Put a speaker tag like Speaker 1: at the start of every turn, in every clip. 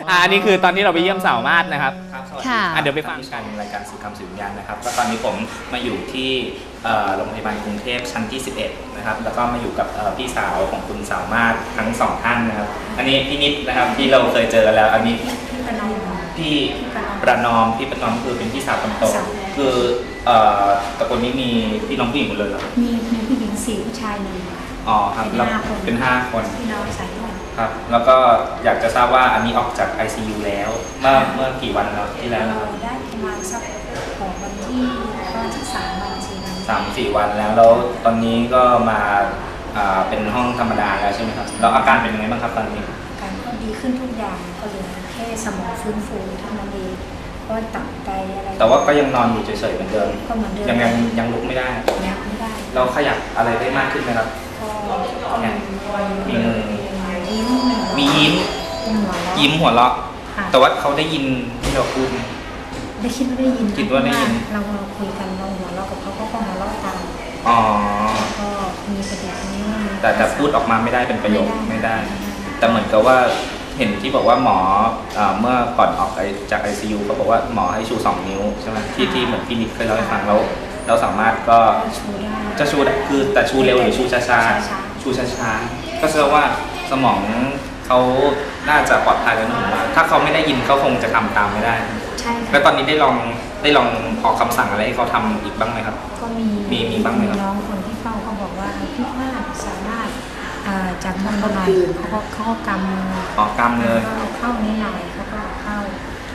Speaker 1: อันนี้คือตอนที่เราไปเยี่ยมสาวมาศนะครับ
Speaker 2: ค่ะ
Speaker 1: เดี๋ยวไปฟังกันรายการสื่อคำสื่อวิญญาณนะครับก็ตอนนี้ผมมาอยู่ที่โรงพยาบาลกรุงเทพชั้นที่11นะครับแล้วก็มาอยู่กับพี่สาวของคุณสาวมาศทั้ง2ท่านนะครับอันนี้พี่นิดนะครับที่เราเคยเจอแล้วอันนี้พี่ประนอมพี่ประนอมคือเป็นพี่สาวคนโตคือตระกูลนี้มีพี่น้องผู้หญิงหมดเลยเหรอ
Speaker 3: มีผู้หญิง4ผู้ชาย1อ๋อ
Speaker 1: ครับเป็น5 คน
Speaker 3: พี่น้องสายเลือด
Speaker 1: ครับแล้วก็อยากจะทราบว่าอันนี้ออกจาก ICU แล้วเมื่อกี่วันแล้วที่แล้ว
Speaker 3: ได้ประมาณสักของวันที่ก็สัก3-4
Speaker 1: วันแล้วตอนนี้ก็มาเป็นห้องธรรมดาแล้วใช่ไหมครับแล้วอาการเป็นยังไงบ้างครับตอนนี้
Speaker 3: อาการก็ดีขึ้นทุกอย่างก็เหลือแค่สมองฟื้นฟูเท่านั้นเองก็ตับไตอะไร
Speaker 1: แต่ว่าก็ยังนอนอยู่เฉยๆเหมือนเดิม
Speaker 3: ก็เหมือนเดิม
Speaker 1: ยังลุกไม่ได้
Speaker 3: ยังไม่ได้
Speaker 1: เราขยับอะไรได้มากขึ้นไหมครับ
Speaker 3: ก็
Speaker 1: มีมือมียิ้มหัวเราะแต่ว่าเขาได้ยินที่เราพูด
Speaker 3: ได้คิดว่าได้ยิน
Speaker 1: คิดว่าได้ยิน
Speaker 3: เราคุยกันเราหัวเราะกับเขาก็หัวเราะตามก็มีประเด็นนี้
Speaker 1: แต่พูดออกมาไม่ได้เป็นประโยคไม่ได้แต่เหมือนกับว่าเห็นที่บอกว่าหมอเมื่อก่อนออกจาก ICU เขาบอกว่าหมอให้ชู2 นิ้วใช่ไหมที่เหมือนพี่นิดเคยเล่าให้ฟังแล้วเราสามารถก็จะชูคือแต่ชูเร็วหรือชูช้าชูช้าก็แสดงว่าสมองเขาน่าจะปลอดภัยแล้วนะผมว่าถ้าเขาไม่ได้ยินเขาคงจะทำตามไม่ได้
Speaker 3: ใช่
Speaker 1: แล้วตอนนี้ได้ลองออกคำสั่งอะไรให้เขาทำอีกบ้างไหมครับ
Speaker 3: ก็
Speaker 1: มีบ้างไหมครับ
Speaker 3: น้องคนที่เข้าเขาบอกว่าพี่ว่าสามารถจากมันประมาณเขาก็ก
Speaker 1: ำเลย
Speaker 3: เข้านิดหน่อยเขาก็เข้า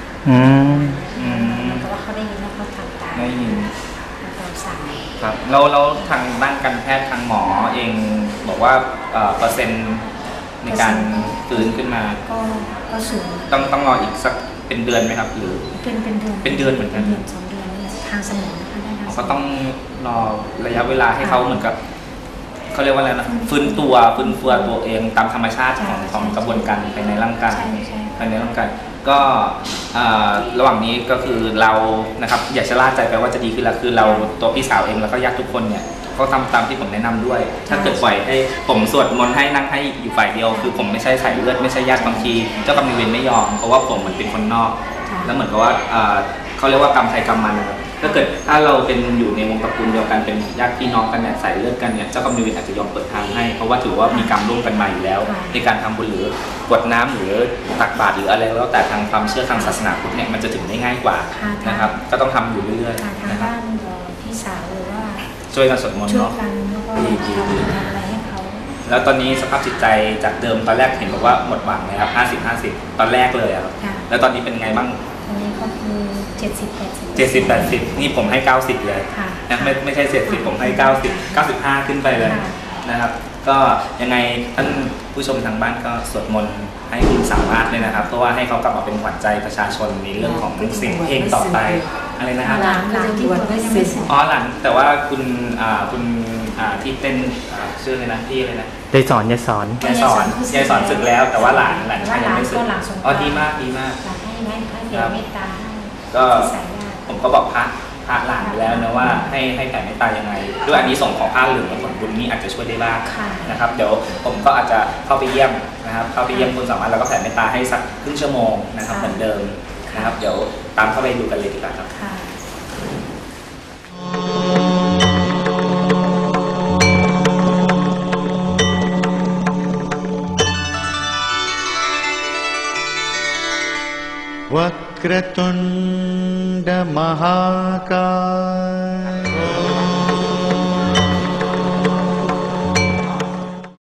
Speaker 3: แต่ว่าเขาได้ยินแล้วเขาทำตาม
Speaker 1: ได้ยิน
Speaker 3: เราสั่ง
Speaker 1: ครับแล้วทางด้านการแพทย์ทางหมอเองบอกว่าเปอร์เซ็นต์ในการฟื้นขึ้นมา
Speaker 3: ก็สูง
Speaker 1: ต้องรออีกสักเป็นเดือนไหมครับหรือเป็นเดือนเหมือนกัน
Speaker 3: 2 เดือนนี่ทางสมองนะคะ
Speaker 1: ก็ต้องรอระยะเวลาให้เขาเหมือนกับเขาเรียกว่าอะไรนะฟื้นตัวตัวเองตามธรรมชาติของกระบวนการภายในร่างกายก็ระหว่างนี้ก็คือเรานะครับอย่าชะล่าใจไปว่าจะดีขึ้นแล้วคือเราตัวพี่สาวเองแล้วก็ญาติทุกคนเนี่ยเขาทำตามที่ผมแนะนำด้วยถ้าเกิดปล่อยให้ผมสวดมนต์ให้นั่งให้อยู่ฝ่ายเดียวคือผมไม่ใช่สายเลือดไม่ใช่ญาติบางทีเจ้ากรรมนายเวรไม่ยอมเพราะว่าผมเหมือนเป็นคนนอกแล้วเหมือนกับว่าเขาเรียกว่ากรรมใครกรรมมันนะครับถ้าเราเป็นอยู่ในวงตระกูลเดียวกันเป็นญาติพี่น้องกันเนี่ยสายเลือดกันเนี่ยเจ้ากรรมนายเวรอาจจะยอมเปิดทางให้เพราะว่าถือว่ามีกรรมร่วมกันมาอยู่แล้วในการทำบุญหรือกรวดน้ำหรือตักบาตรหรืออะไรแล้วแต่ทางความเชื่อทางศาสนาพุทธเนี่ยมันจะถึงได้ง่ายกว่านะครับก็ต้องทำอยู่เรื่อย
Speaker 3: ๆนะครับพี่สาวหรือว่า
Speaker 1: ช่วยกันสวดมนต์เนาะ
Speaker 3: ดีอะไรให้เขา
Speaker 1: แล้วตอนนี้สภาพจิตใจจากเดิมตอนแรกเห็นบอกว่าหมดหวังนะครับ50-50ตอนแรกเลยครับแล้วตอนนี้เป็นไงบ้าง
Speaker 3: ตอนนี้ก็คือ
Speaker 1: 70-80นี่ผมให้90เลยนะไม่ใช่70ผมให้95ขึ้นไปเลยนะครับก็ยังไงท่านผู้ชมทางบ้านก็สวดมนต์ให้คุณสามารถเลยนะครับเพราะว่าให้เขากลับมาเป็นขวัญใจประชาชนในเรื่องของเสียงเพลงต่อไปอะไรนะครับ
Speaker 3: หลานที่บวชก็ยังไม่เสร็จ
Speaker 1: หลานแต่ว่าคุณที่เป็นชื่ออะไรนะพี่อะไรนะ
Speaker 2: ยายสอน
Speaker 1: สึกแล้วแต่ว่าหลานชายยังไม่สึกดีมาก
Speaker 3: ให้เมตตา
Speaker 1: ก็ผมก็บอกพระหลานไปแล้วนะว่าให้แผ่เมตตายังไงด้วยอันนี้ส่งของผ้าเหลืองและผลบุญนี้อาจจะช่วยได้บ้างนะครับเดี๋ยวผมก็อาจจะเข้าไปเยี่ยมนะครับเข้าไปเยี่ยมคุณสามารถแล้วก็แผ่เมตตาให้สักครึ่งชั่วโมงนะครับเหมือนเดิมนะครับเดี๋ยวตามเข้าไปดูกันเลยดีกว่าครับ
Speaker 4: वक्रतुण्ड महाकाय